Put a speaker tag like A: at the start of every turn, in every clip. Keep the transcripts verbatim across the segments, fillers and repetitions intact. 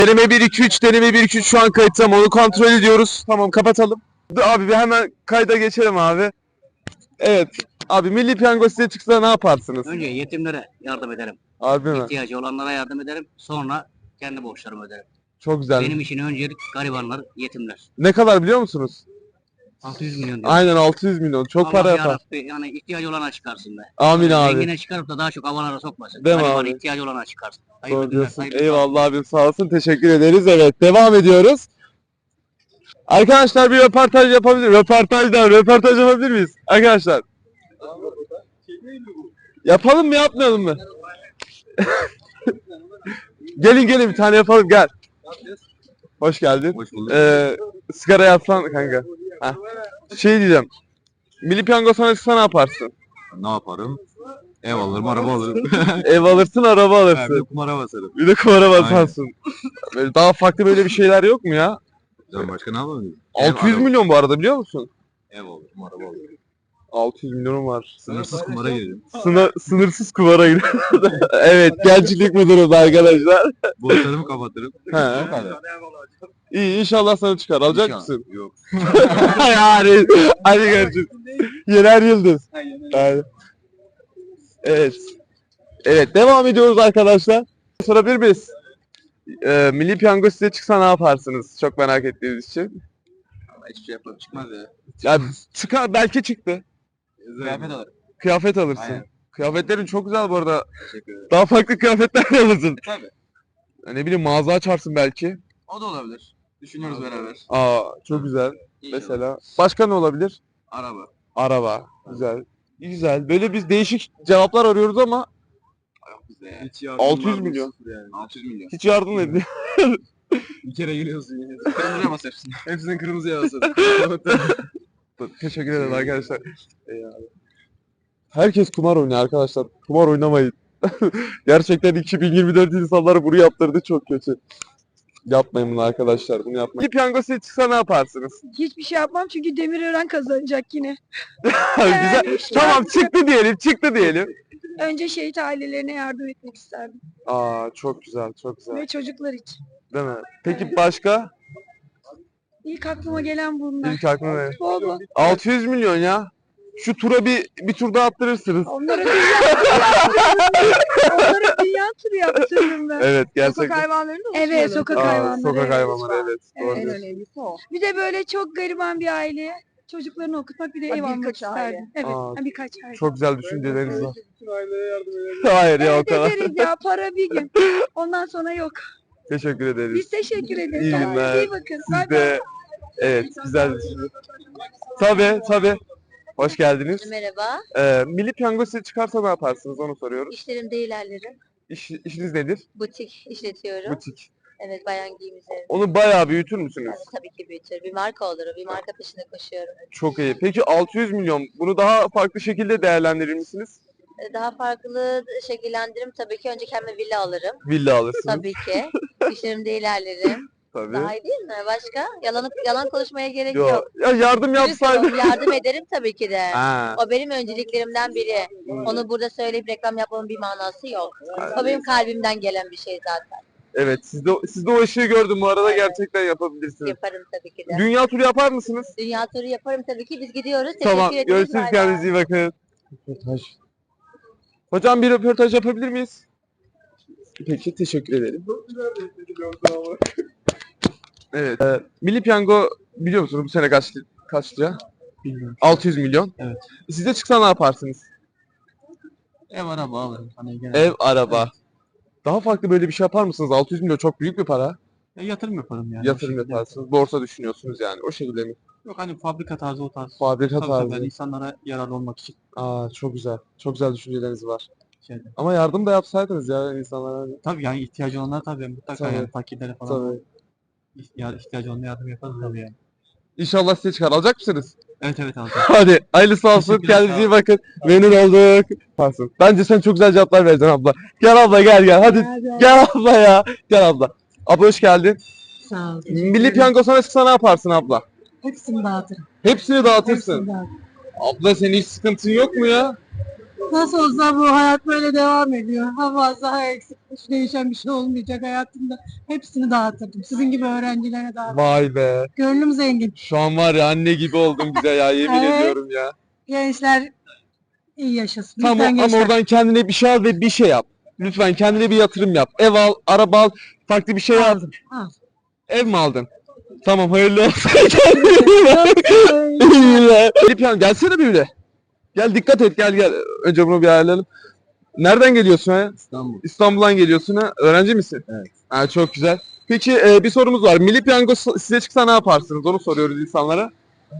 A: Deneme bir iki üç, deneme bir iki üç şu an kayıtta. Onu kontrol ediyoruz. Tamam, kapatalım. Dur abi, bir hemen kayda geçelim abi. Evet. Abi, Milli Piyango size çıksa ne yaparsınız?
B: Önce yetimlere yardım ederim.
A: Harbi mi?
B: İhtiyacı olanlara yardım ederim. Sonra kendi borçlarımı öderim.
A: Çok güzel.
B: Benim için öncelik garibanlar, yetimler.
A: Ne kadar biliyor musunuz?
B: altı yüz milyon diyor.
A: Aynen altı yüz milyon. Çok
B: Allah
A: para yapar.
B: yarabbi, yani ihtiyacı olana çıkarsın be.
A: Amin abi.
B: Zengine çıkarıp da daha çok avalara sokmasın.
A: Değil mi
B: Gariban
A: abi?
B: ihtiyacı olana çıkarsın. Hayırlı
A: Doğru
B: günler,
A: diyorsun.
B: hayırlı
A: Eyvallah abim, sağ olsun. Teşekkür ederiz. Evet, devam ediyoruz. Arkadaşlar bir röportaj yapabilir. Röportajdan röportaj yapabilir miyiz? Arkadaşlar. Yapalım mı, yapmayalım mı? Gelin gelin, bir tane yapalım, gel. Hoş geldin.
C: Hoş bulduk.
A: Ee, sigara yapsan kanka. Heh. Şey diyeceğim. Milli Piyango sana çıksa ne yaparsın?
C: Ne yaparım? Ev alırım, araba alırım.
A: Ev alırsın, araba
C: Ha, bir de
A: alırsın.
C: kumara basarım.
A: Bir de kumara basarsın. Böyle daha farklı böyle bir şeyler yok mu ya?
C: Can başka ne yapabilirim?
A: altı yüz
C: Ev,
A: milyon bu arada, biliyor musun?
C: Ev alırım, araba alırım.
A: altı yüz milyonum var.
C: Sınırsız kumara girerim.
A: Sına, sınırsız kumara gidiyor. Evet, gençlik müdürümüz arkadaşlar.
C: Borçlarımı kapatırım.
A: He.
C: Bu kadar.
A: İyi, inşallah sana çıkar. Alacak
C: İnşallah.
A: mısın?
C: Yok.
A: Yani hadi görüşürüz. Yener Yıldız. Yani. Evet. Evet, devam ediyoruz arkadaşlar. Sorabilir miyiz? Ee, Milli Piyango size çıksa ne yaparsınız? Çok merak ettiğiniz için.
C: Ama hiçbir şey yapmam çıkmaz ya.
A: Ya çıkar, belki çıktı.
C: Kıyafet alırım.
A: Kıyafet alırsın.
C: Aynen.
A: Kıyafetlerin çok güzel bu arada.
C: Teşekkür ederim.
A: Daha farklı kıyafetler de alırsın.
C: Tabii.
A: Ya ne bileyim, mağaza açarsın belki.
C: O da olabilir. Düşünüyoruz beraber.
A: Aa, çok güzel.
C: İnşallah.
A: Mesela. Başka ne olabilir?
C: Araba.
A: Araba. Güzel. Güzel. Böyle biz değişik cevaplar arıyoruz ama
C: Yok bizde ya. Hiç
A: altı yüz milyon.
C: Yani. altı yüz milyon.
A: Hiç yardım edin.
C: Bir kere geliyorsun yine. Kırmızıya bas hepsini. Hepsini kırmızıya basalım.
A: Teşekkür ederim arkadaşlar. Eyvallah. Herkes kumar oynuyor arkadaşlar. Kumar oynamayın. Gerçekten iki bin yirmi dört insanları bunu yaptırdı, çok kötü. Yapmayın bunu arkadaşlar, bunu yapmayın. Bir piyango size çıksa ne yaparsınız?
D: Hiçbir şey yapmam çünkü Demirören kazanacak yine.
A: Güzel.
D: Yani işte
A: Tamam,
D: artık-
A: çıktı diyelim, çıktı diyelim.
D: Önce şehit ailelerine yardım etmek isterdim.
A: Aa, çok güzel, çok güzel.
D: Ve çocuklar için.
A: Değil mi? Peki başka?
D: İlk aklıma gelen bunlar.
A: İlk aklıma ne?
D: Bol bol.
A: altı yüz milyon ya. Şu tura bir bir tur daha attırırsınız.
D: Onlara dünya turu yaptırırım. Onlara dünya turu yaptırırım ben.
A: Evet,
E: Sokak
A: gerçekten.
E: hayvanlarını da
D: Evet, sokak
A: Aa,
D: hayvanları.
A: sokak
D: evet.
A: hayvanları, evet. Doğru
D: Evet.
E: en
A: diyorsun.
E: önemlisi o.
D: Bir de böyle çok gariban bir aileye çocuklarını okutmak, bir de
E: Ha,
D: ev almak
E: birkaç aile.
D: isterdim. Evet,
A: Aa,
D: ha, birkaç aile.
A: Çok güzel düşünceleriniz var. Hayır ya, o
D: Evet
A: kadar.
D: ederiz ya, para bir gün. Ondan sonra yok.
A: Teşekkür ederiz.
D: Biz teşekkür ederiz.
A: İyi
D: Kendinize
A: günler.
D: iyi bakın.
A: Siz
D: Bay bay.
A: de, evet, güzel düşünce. Tabii, tabii. Hoş geldiniz.
F: Merhaba,
A: Ee, Milli Piyango size çıkarsa ne yaparsınız, onu soruyoruz.
F: işlerimde ilerlerim.
A: İş, işiniz nedir?
F: Butik işletiyorum.
A: Butik.
F: Evet, bayan giyim üzerine.
A: Onu bayağı büyütür müsünüz?
F: Yani tabii ki büyütür. Bir marka olurum, bir marka peşinde koşuyorum.
A: Çok iyi. Peki altı yüz milyon, bunu daha farklı şekilde değerlendirir misiniz?
F: Ee, Daha farklı şekillendiririm. Tabii ki önce kendime villa alırım.
A: Villa alırsınız.
F: Tabii ki. İşlerimde ilerlerim.
A: Tabii.
F: Daha iyi değil mi? Başka? Yalan, yalan konuşmaya gerek
A: Yo,
F: yok.
A: ya yardım
F: Dürüst
A: yapsaydı.
F: olalım, yardım ederim tabii ki de.
A: Ha,
F: O benim önceliklerimden biri. Onu burada söyleyip reklam yapmamın bir manası yok. O benim kalbimden gelen bir şey zaten.
A: evet, siz de, siz de o ışığı gördüm bu arada, gerçekten yapabilirsiniz.
F: Yaparım tabii ki de.
A: Dünya turu yapar mısınız?
F: Dünya turu yaparım tabii ki. Biz gidiyoruz. Teşekkür
A: Tamam,
F: ederiz.
A: görüşürüz,
F: Bay bay.
A: kendinize iyi bakın. Röportaj. Hocam, bir röportaj yapabilir miyiz? Peki, teşekkür ederim. Evet. E, Milli Piyango biliyor musunuz bu sene kaç kaç lira?
B: Bilmiyorum.
A: altı yüz milyon.
B: Evet.
A: Size çıksa ne yaparsınız?
B: Ev araba alırım. Hani genelde.
A: Ev, araba. Daha farklı böyle bir şey yapar mısınız? altı yüz milyon çok büyük bir para.
B: Ya yatırım yaparım yani. o
A: Yatırım
B: şekilde.
A: yaparsınız. Borsa düşünüyorsunuz yani. O şekilde mi?
B: Yok hani fabrika tarzı o tarz.
A: Fabrika
B: Tabii tabii,
A: tarzı.
B: yani insanlara yararlı olmak için
A: Aa, çok güzel. Çok güzel düşünceleriniz var.
B: şeyde.
A: Ama yardım da yapsaydınız ya insanlara.
B: Tabii yani ihtiyacı olanlar tabii mutlaka
A: Tabii.
B: yani fakirlere falan
A: Tabii.
B: ihtiya- ihtiyacı olanlara yardım yaparız tabii yani.
A: İnşallah size çıkar. Alacak mısınız?
B: Evet evet alacağım.
A: Hadi hayırlısı olsun.
B: Teşekkürler,
A: Kendinize iyi
B: sağ
A: bakın. Memnun olduk. Parsın. Bence sen çok güzel cevaplar vereceksin abla. Gel abla, gel gel. Hadi gel abla ya. Gel abla. Abla hoş geldin.
E: Sağ ol.
A: Milli Piyango sana çıksa ne yaparsın abla?
E: Hepsini dağıtırım.
A: Hepsini dağıtırsın.
E: Hepsini dağıtırım.
A: Abla, senin hiç sıkıntın yok mu ya?
D: Nasıl olsa bu hayat böyle devam ediyor. Ha fazla ha eksik. Hiç değişen bir şey olmayacak hayatımda. Hepsini dağıtırdım. Sizin gibi öğrencilere dağıtırdım.
A: Vay be.
D: Gönlüm zengin.
A: Şu an var ya anne gibi oldum bize ya yemin
D: Evet.
A: ediyorum ya.
D: Gençler iyi yaşasın.
A: Tamam
D: Lütfen
A: ama
D: gençler.
A: oradan kendine bir şey al ve bir şey yap. Lütfen kendine bir yatırım yap. Ev al, araba al, farklı bir şey al.
D: Aldım. Al.
A: Ev mi aldın? Tamam hayırlı olsun. Kendine iyi bak. İyi ya. Elif Hanım, gelsene bir bile. Gel dikkat et gel gel. Önce bunu bir ayarlayalım. Nereden geliyorsun ha?
C: İstanbul.
A: İstanbul'dan geliyorsun ha. Öğrenci misin?
C: Evet.
A: Ha, çok güzel. Peki e, bir sorumuz var. Milli Piyango s- size çıksa ne yaparsınız? Onu soruyoruz insanlara.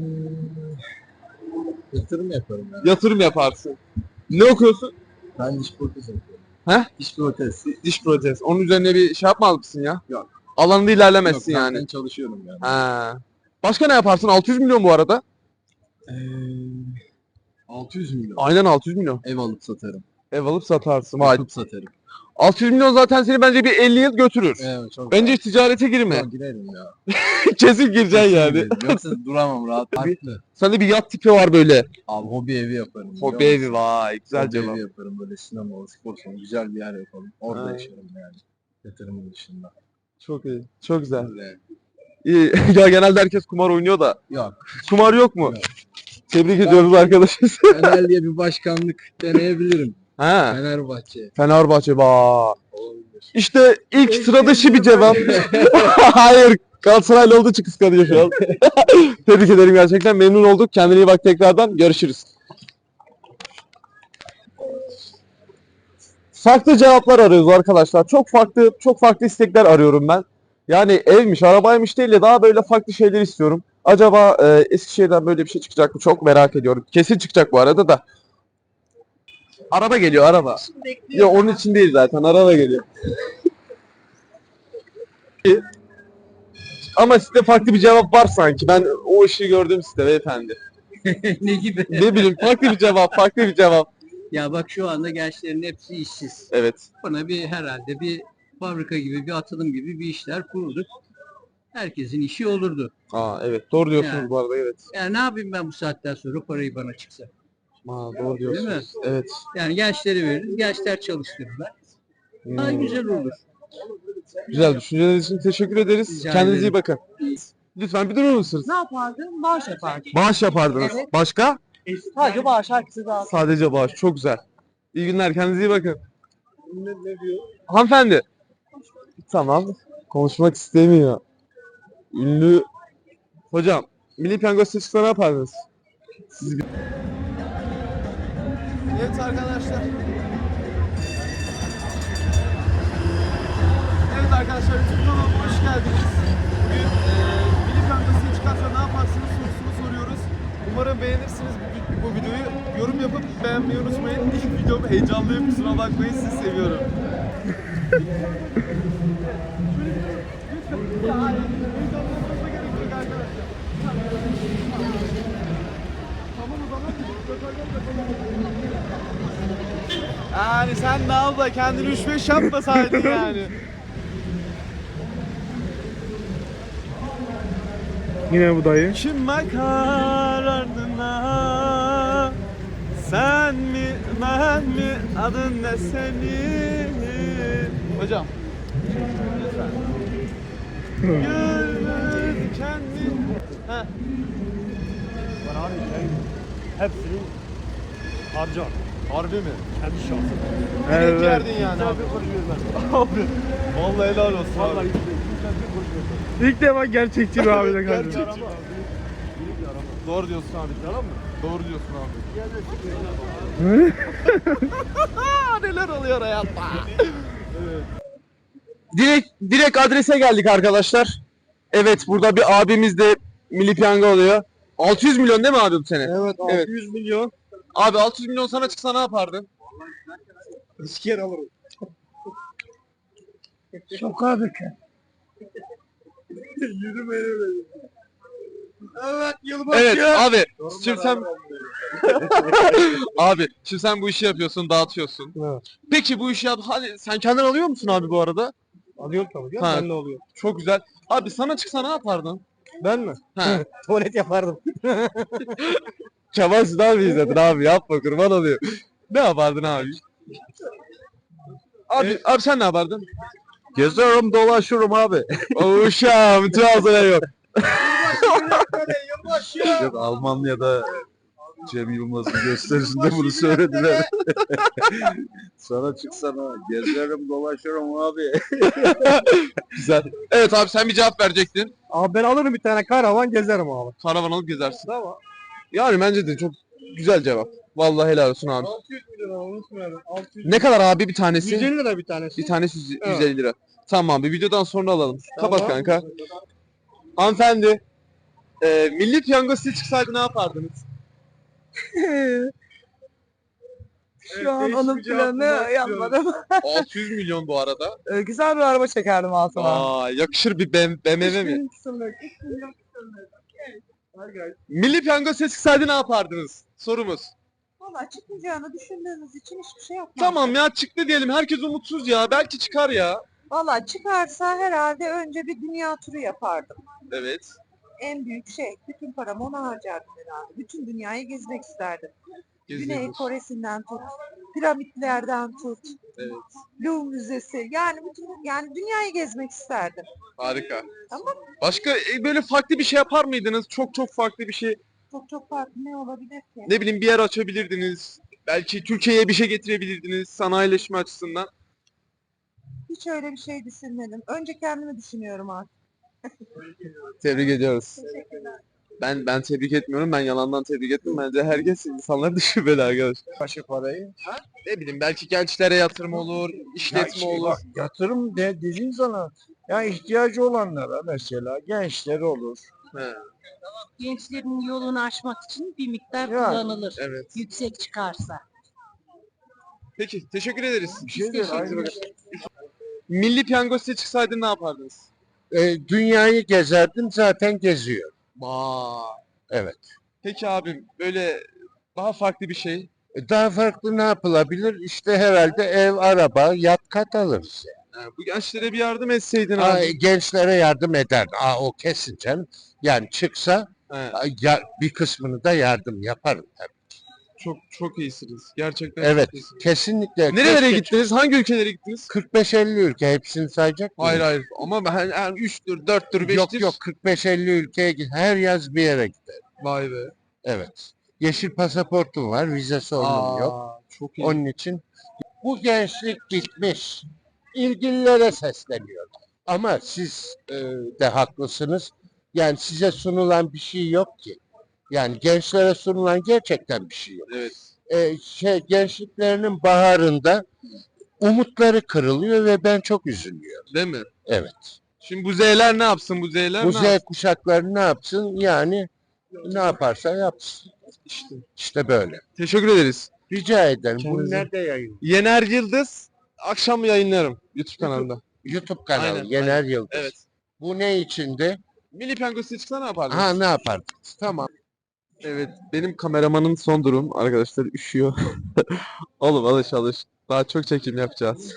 C: Yatırım yaparım ya.
A: Yatırım yaparsın. Ne okuyorsun?
C: Ben diş protezi yapıyorum.
A: He?
C: Diş protezi.
A: Diş protez. Onun üzerine bir şey yapmaz mısın ya?
C: Yok.
A: Alanında ilerlemezsin
C: Yok,
A: yani.
C: Ben çalışıyorum yani.
A: Ha. Başka ne yaparsın? altı yüz milyon bu arada.
C: Ee, altı yüz milyon.
A: Aynen altı yüz milyon.
C: Ev alıp satarım.
A: Ev alıp satarsın. Vay.
C: Yapıp satarım.
A: altı yüz milyon zaten seni bence bir elli yıl götürür.
C: Evet çok
A: Bence hiç ticarete girme.
C: Yok, girerim ya.
A: Kesin gireceksin yani.
C: Girerim. Yoksa duramam rahat. Farklı.
A: Sende bir yat tipi var böyle.
C: Abi hobi evi yaparım. biliyor
A: Hobi
C: musun?
A: evi vay. Güzel
C: Hobi
A: cevap.
C: evi yaparım böyle sinema, spor salonu, güzel bir yer yapalım. Orada
A: Ha.
C: yaşarım yani. Yatırımın dışında.
A: Çok iyi. Çok güzel.
C: Öyle.
A: İyi. Ya genelde herkes kumar oynuyor da.
C: Yok.
A: Kumar yok mu?
C: Yok.
A: Tebrik ediyoruz arkadaşız.
C: Fener diye bir başkanlık deneyebilirim.
A: ha.
C: Fenerbahçe.
A: Fenerbahçe bak.
C: Olabilir.
A: İşte ilk sıra dışı bir cevap. Hayır. Galatasaraylı olduğu için kıskanıyor şu an. Tebrik ederim gerçekten. Memnun olduk. Kendine iyi bak tekrardan. Görüşürüz. Farklı cevaplar arıyoruz arkadaşlar. Çok farklı çok farklı istekler arıyorum ben. Yani evmiş, arabaymış değil de daha böyle farklı şeyler istiyorum. Acaba e, Eskişehir'den böyle bir şey çıkacak mı? Çok merak ediyorum. Kesin çıkacak bu arada da. Araba geliyor, araba. Ya onun için değil zaten. Araba geliyor. Ama sizde farklı bir cevap var sanki. Ben o işi gördüm sizde beyefendi.
B: ne gibi?
A: Ne bileyim farklı bir cevap, farklı bir cevap.
B: Ya bak şu anda gençlerin hepsi işsiz.
A: Evet.
B: Buna bir herhalde bir fabrika gibi, bir atılım gibi bir işler kurduk. Herkesin işi olurdu.
A: Aa evet. Doğru diyorsunuz
B: Yani.
A: bu arada evet.
B: Yani ne yapayım ben bu saatten sonra parayı bana çıksa?
A: Aa doğru
B: Değil mi?
A: diyorsunuz. Evet.
B: Yani gençleri veririz, gençler çalıştırırlar. Daha
A: Hmm.
B: güzel olur.
A: Güzel düşünceleriniz için teşekkür ederiz.
B: Rica
A: Kendinize iyi
B: ederim.
A: bakın. Lütfen bir durur musunuz?
D: Ne yapardın? Bağış yapardın.
A: Bağış yapardınız.
D: Evet.
A: Başka?
D: Sadece bağış. Herkese dağıt.
A: Sadece bağış. Çok güzel. İyi günler. Kendinize iyi bakın. Ne, diyor? Hanımefendi. Tamam. Konuşmak istemiyor. Ünlü. Hocam. Milli Piyango size çıksa ne yapardınız? Siz bir... Evet arkadaşlar. Evet arkadaşlar YouTube kanalıma hoş geldiniz. Bugün eee Milli Piyango size çıkarsa ne yaparsınız sorusunu soruyoruz. Umarım beğenirsiniz bu, bu videoyu. Yorum yapıp beğenmeyi unutmayın. İlk videom heyecanlıyım. Kusura bakmayın. Sizi seviyorum. Yani sen de abla kendini üç beş yapmasaydın yani.
E: Yine bu dayı.
A: Kim bakar ardına? Sen mi, ben mi, adın ne senin? Hocam. Lütfen. Gönül kendin. Heh.
E: Hepsini harcar.
A: Harbi mi?
E: Kendi şahsım.
A: Evet.
E: Evet.
A: Yerdin yani.
E: Abi konuşmuyorlar.
A: Abi. Vallahi helal olsun
E: Vallahi
A: abi.
E: İlk defa gerçekçi bir abiyle karşılaştım.
A: Gerçekçi. Doğru diyorsun abi. Yalan mı? Doğru diyorsun abi. Neler oluyor hayatta? Evet. Direkt direkt adrese geldik arkadaşlar. Evet burada bir abimiz de Milli Piyango oluyor. altı yüz milyon değil mi abi bu sene?
E: Evet
A: Evet.
E: altı yüz milyon.
A: Abi altı yüz milyon sana çıksa ne yapardın?
E: İki kere alırım.
D: Sokağa döker.
E: Yürümeyi Evet yılbaşı.
A: Evet abi. Şimdi sen abi şimdi sen bu işi yapıyorsun, dağıtıyorsun.
E: Evet.
A: Peki bu işi yap. Hadi sen kendin alıyor musun abi bu arada?
E: Alıyorum tabii.
A: Ha.
E: Ben ne oluyor?
A: Çok güzel. Abi sana çıksa ne yapardın?
E: Ben mi?
A: Ha.
E: Tuvalet yapardım.
A: Kemal Sunal mı izledin abi? Yapma kurban olayım. Ne yapardın abi? Abi, abi sen ne yapardın?
G: Geziyorum dolaşıyorum abi.
A: Uşağım Trabzon'a yok.
G: Yok Almanya'da Cem Yılmaz'ın gösterisinde bunu söylediler. Sana çıksana geziyorum dolaşıyorum abi.
A: Güzel. Evet abi sen bir cevap verecektin.
E: Abi ben alırım bir tane karavan gezerim abi.
A: Karavan alıp gezersin.
E: Tamam.
A: Yani bence de çok güzel cevap. Vallahi helal olsun abi.
E: altı yüz milyon abi unutmayalım. altı yüz
A: Ne kadar abi bir tanesi?
E: yüz elli lira bir tanesi.
A: Bir tanesi yüz-
E: Evet.
A: yüz elli lira. Tamam abi videodan sonra alalım. Kapat
E: Tamam.
A: kanka. Hanımefendi. E, milli piyango size çıksaydı ne yapardınız?
E: Şu an onun planı yapmadım.
A: altı yüz milyon bu arada.
E: Ee, güzel bir araba çekerdim altıma.
A: Aa, yakışır bir B M W mi? Milli piyango size çıksaydı ne yapardınız? Sorumuz.
D: Valla çıkmayacağını düşündüğümüz için hiçbir şey yapmam.
A: Tamam ya çıktı diyelim. Herkes umutsuz ya. Belki çıkar ya.
D: Valla çıkarsa herhalde önce bir dünya turu yapardım.
A: Evet.
D: En büyük şey. Bütün paramı ona harcardım herhalde. Bütün dünyayı gezmek isterdim. Güney
A: Geziyoruz.
D: Kore'sinden tut, piramitlerden tut,
A: Evet.
D: Louvre Müzesi. Yani bütün yani dünyayı gezmek isterdim.
A: Harika.
D: Tamam.
A: Başka e, böyle farklı bir şey yapar mıydınız? Çok çok farklı bir şey.
D: Çok çok farklı ne olabilir ki?
A: Ne bileyim bir yer açabilirdiniz. Belki Türkiye'ye bir şey getirebilirdiniz sanayileşme açısından.
D: Hiç öyle bir şey düşünmedim. Önce kendimi düşünüyorum artık.
A: Tebrik ediyoruz.
D: Teşekkürler.
A: Ben ben tebrik etmiyorum. Ben yalandan tebrik ettim. Bence herkes insanlar düşünmeli arkadaş.
G: Kaşı parayı.
A: Ne bileyim belki gençlere yatırım olur, işletme olur.
G: Yatırım de, dediğin zaman ya ihtiyacı olanlara mesela gençleri olur.
A: He,
H: Gençlerin yolunu aşmak için bir miktar
G: Yani,
H: kullanılır.
A: evet.
H: Yüksek çıkarsa.
A: Peki teşekkür ederiz.
G: Bir şey değil. Aynı.
A: Milli piyango size çıksaydı ne yapardınız?
G: E, dünyayı gezerdim zaten geziyor.
A: Vay.
G: Evet.
A: Peki abim böyle daha farklı bir şey.
G: E, daha farklı ne yapılabilir? İşte herhalde ev, araba, yat kat alırız.
A: Ha, bu gençlere bir yardım etseydin
G: Aa,
A: abi.
G: gençlere yardım eder. Aa, o kesin canım. Yani çıksa
A: He,
G: a, ya, bir kısmını da yardım yaparım. tabii.
A: çok çok iyisiniz. Gerçekten
G: Evet.
A: çok iyisiniz.
G: Kesinlikle.
A: Nerelere
G: Keşke-
A: gittiniz? Hangi ülkelere gittiniz?
G: kırk beş elli ülke hepsini sayacak mıyım?
A: Hayır hayır. Ama ben yani üçtür, dörttür, beştir.
G: Yok yok kırk beş elli ülkeye git. Her yaz bir yere gider.
A: Vay be.
G: Evet. Yeşil pasaportum var. Vize sorunum yok.
A: Aa, çok iyi.
G: Onun için bu gençlik bitmiş. İlgililere sesleniyorum. Ama siz e, de haklısınız. Yani size sunulan bir şey yok ki. Yani gençlere sunulan gerçekten bir şey yok.
A: Evet.
G: E, şey gençliklerinin baharında umutları kırılıyor ve ben çok üzülüyorum.
A: Değil mi?
G: Evet.
A: Şimdi bu Z'ler ne yapsın? Bu Z'ler
G: Bu
A: ne
G: Z
A: yapsın?
G: kuşakları ne yapsın? Yani ne yaparsa yapsın.
A: İşte.
G: İşte böyle.
A: Teşekkür ederiz.
G: Rica ederim. Bunu
A: Kendinize-
G: nerede yayın?
A: Yener Yıldız akşam yayınlarım YouTube kanalında.
G: YouTube kanalı
A: Aynen,
G: Yener Yıldız.
A: Evet.
G: Bu ne içindi?
A: Milli piyango size çıksa ne yapardınız?
G: Ha ne yapardınız? Tamam.
A: Evet. Benim kameramanın son durum arkadaşlar üşüyor. Oğlum alış alış. Daha çok çekim yapacağız.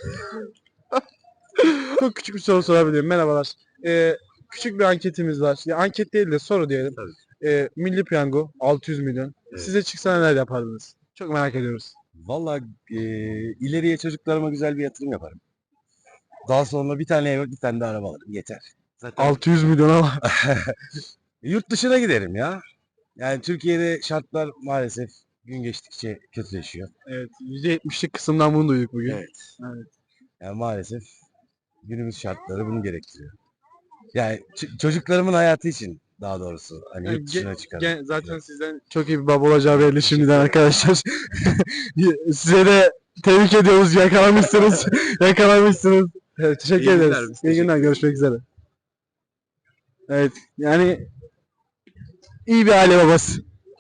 E: Çok küçük bir soru sorabilirim. Merhabalar. Ee, küçük bir anketimiz var. Ya anket değil de soru diyelim. Ee, Milli Piyango altı yüz milyon. Size çıksa neler yapardınız? Çok merak ediyoruz.
I: Valla e, ileriye çocuklarıma güzel bir yatırım yaparım. Daha sonra bir tane ev, bir tane de araba alırım. Yeter. Zaten
E: altı yüz milyona var.
I: yurt dışına giderim ya. Yani Türkiye'de şartlar maalesef gün geçtikçe kötüleşiyor.
E: Evet. yüzde yetmişlik kısımdan bunu duyduk bugün.
I: Evet.
E: Evet.
I: Yani maalesef günümüz şartları bunu gerektiriyor. Yani ç- çocuklarımın hayatı için daha doğrusu hani
E: Yani
I: yurt dışına çıkarım.
E: Gen- zaten sizden çok iyi bir baba olacağı belli şimdiden arkadaşlar. Size de tebrik ediyoruz. Yakalamışsınız. Yakalamışsınız. Evet, teşekkür
I: İyi günler,
E: ederiz.
I: biz
E: İyi günler. Görüşmek üzere. Evet. Yani iyi bir aile babası.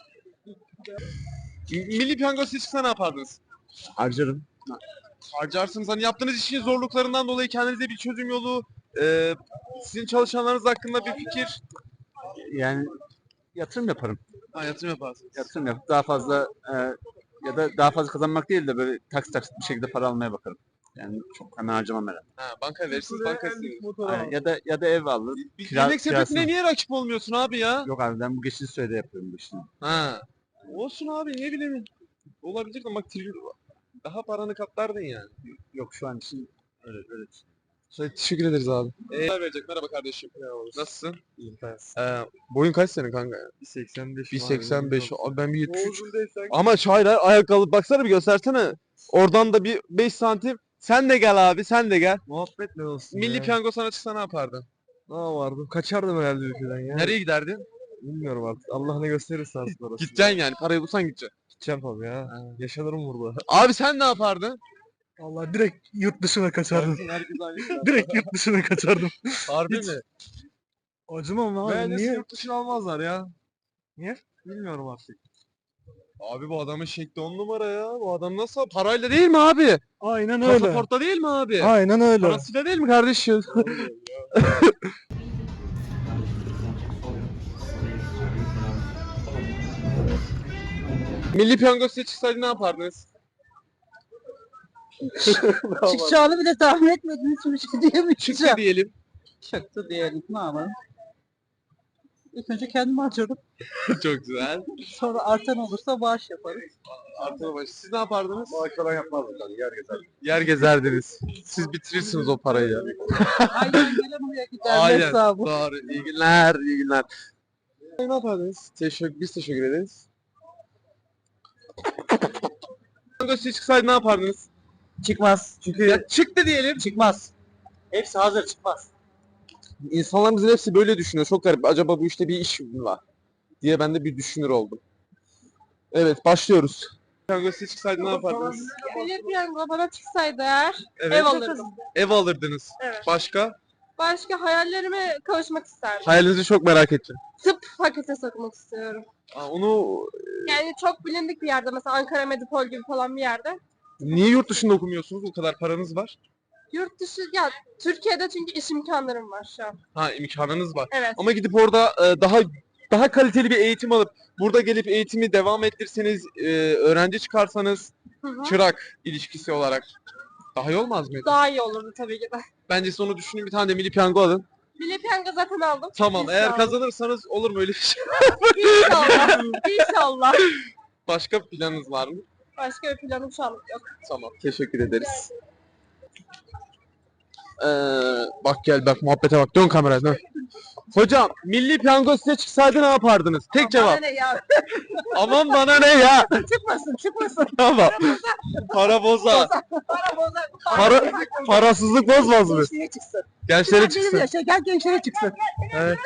A: Milli piyango size çıksa ne yapardınız?
I: Harcarım.
A: Harcarsınız. Hani yaptığınız işin zorluklarından dolayı kendinize bir çözüm yolu, e, sizin çalışanlarınız hakkında bir fikir.
J: Yani yatırım yaparım.
A: Ha, yatırım yaparsınız.
J: Yatırım yapıp daha fazla e, ya da daha fazla kazanmak değil de böyle taksit taksit bir şekilde para almaya bakarım. Yani çok hemen harcamam herhalde.
A: Ha, banka verirsiniz, banka sizin.
J: Aynen. Ya da ya da ev alır.
A: Bir
J: Kira-
A: yemek sepetine
J: kirasını-
A: niye rakip olmuyorsun abi ya?
J: Yok abi ben bu geçici sürede yapıyorum bu işini.
A: Ha. Olsun abi ne bileyim. Olabilir de bak tri- Daha paranı katlardın yani.
J: Yok şu an için öyle öyle.
A: Şey, teşekkür ederiz abi. Ee, verecek. Merhaba kardeşim. Nasılsın? İyiyim. Ee, boyun kaç senin kanka ya?
C: bir seksen beş.
A: bir seksen beş. Abi ben bir yetmiş üç. Ama hayır hayır ayakkabı baksana bir göstersene. Oradan da bir beş santim. Sen de gel abi sen de gel.
C: Muhabbet ne olsun
A: Milli
C: ya.
A: piyango sana çıksa ne yapardın?
C: Ne yapardım? Kaçardım herhalde ülkeden ya.
A: Nereye giderdin?
C: Bilmiyorum artık. Allah ne gösterirse aslında orası.
A: Gideceksin yani. Parayı bulsan gideceksin.
C: Gideceğim tabii ya. Yaşanırım burada.
A: Abi sen ne yapardın?
E: Allah direkt yurt dışına kaçardım. direkt yurt dışına kaçardım.
A: Harbi
E: Hiç-
A: mi?
E: Acımam abi
C: Bence
E: niye?
C: yurt dışına almazlar ya. Niye? Bilmiyorum artık.
A: Abi bu adamın şekli on numara ya. Bu adam nasıl? Parayla değil mi abi?
E: Aynen öyle.
A: Pasaportla değil mi abi?
E: Aynen öyle.
A: Parasıyla değil mi kardeşim? Milli piyango size çıksaydı ne yapardınız?
D: Çıkacağını bile tahmin etmediğiniz bir şey diyemeyeceğim.
A: Çıktı diyelim.
B: Çıktı diyelim. Ne yapalım? İlk önce kendimi harcarım.
A: Çok güzel.
B: Sonra artan olursa bağış yaparım.
A: Artı başı. Siz ne yapardınız?
I: Maaş falan yapmazdım tabii. Yer gezer.
A: Yer gezerdiniz. Siz bitirirsiniz o parayı ya.
B: Aynen gelen oraya gider.
A: Aynen.
B: Hesabı.
A: Doğru. İyi günler. İyi günler. Ne yapardınız? Teşekkür, biz teşekkür ederiz. Piyango size çıksaydı ne yapardınız?
B: Çıkmaz. Çünkü
A: Ya çıktı diyelim.
B: çıkmaz. Hepsi hazır çıkmaz.
A: İnsanlarımızın hepsi böyle düşünüyor. Çok garip. Acaba bu işte bir iş mi var? Diye ben de bir düşünür oldum. Evet, başlıyoruz. Piyango size çıksaydı ne yapardınız?
H: Milli piyango bana çıksaydı eğer
A: Evet.
H: ev alırdım.
A: Ev alırdınız.
H: Evet.
A: Başka?
H: Başka hayallerime kavuşmak isterdim.
A: Hayalinizi çok merak ettim.
H: Tıp fakültesi okumak istiyorum.
A: Aa, onu
H: Yani çok bilindik bir yerde mesela Ankara Medipol gibi falan bir yerde.
A: niye yurt dışında okumuyorsunuz? O kadar paranız var.
H: Yurt dışı ya Türkiye'de çünkü iş imkanlarım var şu an.
A: Ha, imkanınız var.
H: Evet.
A: Ama gidip orada e, daha daha kaliteli bir eğitim alıp burada gelip eğitimi devam ettirseniz, e, öğrenci çıkarsanız
H: Hı hı.
A: çırak ilişkisi olarak daha iyi olmaz mıydı?
H: Daha iyi olurdu tabii ki de.
A: Bence siz onu düşünün, bir tane de milli piyango alın.
H: Milli piyango zaten aldım.
A: Tamam, eğer
H: İnşallah.
A: kazanırsanız olur mu öyle bir şey?
H: İnşallah. İnşallah.
A: Başka planınız var mı?
H: Başka bir planım şu anlık yok.
A: Tamam, teşekkür ederiz. Ee, bak gel bak muhabbete bak, dön kameraya dön. Hocam, milli piyango size çıksaydı ne yapardınız? Tek cevap.
H: Bana ne ya?
A: Aman bana ne ya?
H: Çıkmasın çıkmasın.
A: Tamam. Para boza.
H: Para bozar.
A: Para, parasızlık bozmaz mı?
B: Gençliğe çıksın.
A: Gençlere çıksın.
B: Yaşa gel gençlere çıksın.
A: Evet.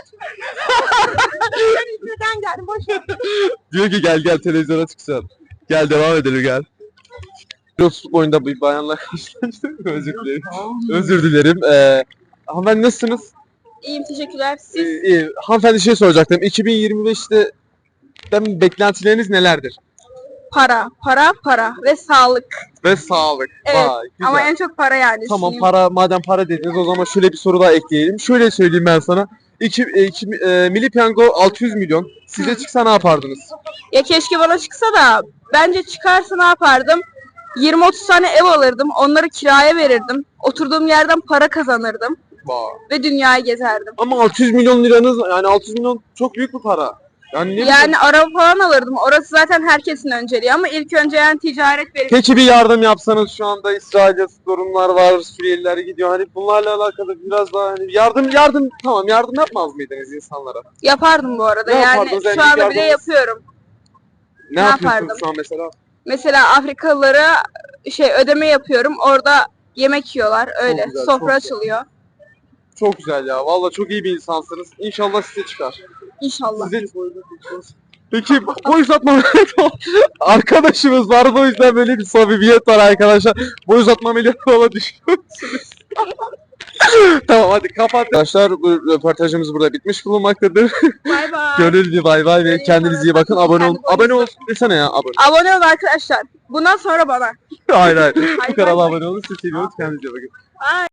H: Birden geldim boş ver.
A: Diyor ki gel gel televizyona çıksın. Gel devam edelim gel. Pilotsuzluk oyunda bir bayanla karşılaştım. Özür dilerim. Özür dilerim. Ee, hanımefendi nasılsınız?
H: İyiyim teşekkürler.
A: Ee,
H: Siz
A: iyi. Hanımefendi şey soracaktım. iki bin yirmi beşte ben beklentileriniz nelerdir?
H: para, para, para ve sağlık.
A: Ve sağlık.
H: Evet,
A: Vay, güzel.
H: Ama en çok para yani.
A: Tamam,
H: Şimdi
A: para, madem para dediniz o zaman şöyle bir soru daha ekleyelim. Şöyle söyleyeyim ben sana. İki, e, iki, e, milli piyango altı yüz milyon. Size çıksa ne yapardınız?
H: Ya keşke bana çıksa da bence çıkarsa ne yapardım? yirmi otuz tane ev alırdım. Onları kiraya verirdim. Oturduğum yerden para kazanırdım.
A: Vay.
H: Ve dünyayı gezerdim.
A: Ama altı yüz milyon liranız, yani altı yüz milyon çok büyük bir para. Yani ne
H: Yani araba falan alırdım. Orası zaten herkesin önceliği ama ilk önce yani ticaret verip
A: Peki bir yardım yapsanız, şu anda İsrail'de sorunlar var, Suriyeliler gidiyor. Hani bunlarla alakalı biraz daha hani yardım yardım tamam yardım yapmaz mıydınız insanlara?
H: yapardım bu arada.
A: Ne
H: Yani
A: yapardınız? En
H: şu
A: büyük
H: anda bile
A: yardımınız?
H: yapıyorum.
A: Ne,
H: Ne
A: yapıyorsunuz
H: yapardım?
A: şu an mesela?
H: Mesela Afrikalılara şey ödeme yapıyorum. Orada yemek yiyorlar. Öyle.
A: güzel,
H: Sofra
A: çok güzel.
H: açılıyor.
A: Çok güzel ya. Vallahi çok iyi bir insansınız. İnşallah size çıkar.
H: İnşallah.
A: Size... Peki boy uzatma arkadaşımız vardı, o yüzden böyle bir samimiyet var arkadaşlar. Boy uzatma ameliyatı falan düşünüyorsunuz. Tamam hadi kapat. Arkadaşlar bu röportajımız burada bitmiş bulunmaktadır.
H: Bay bay.
A: Gönüllü bay bay ve kendinize iyi bakın. Abone olun. Abone olun desene ya abone.
H: Abone olun arkadaşlar. Bundan sonra bana.
A: Hayır hayır. Bu
H: Hayır,
A: kanala
H: bay bay.
A: abone olun. Sizi seviyoruz. Kendinize iyi bakın.
H: Ay.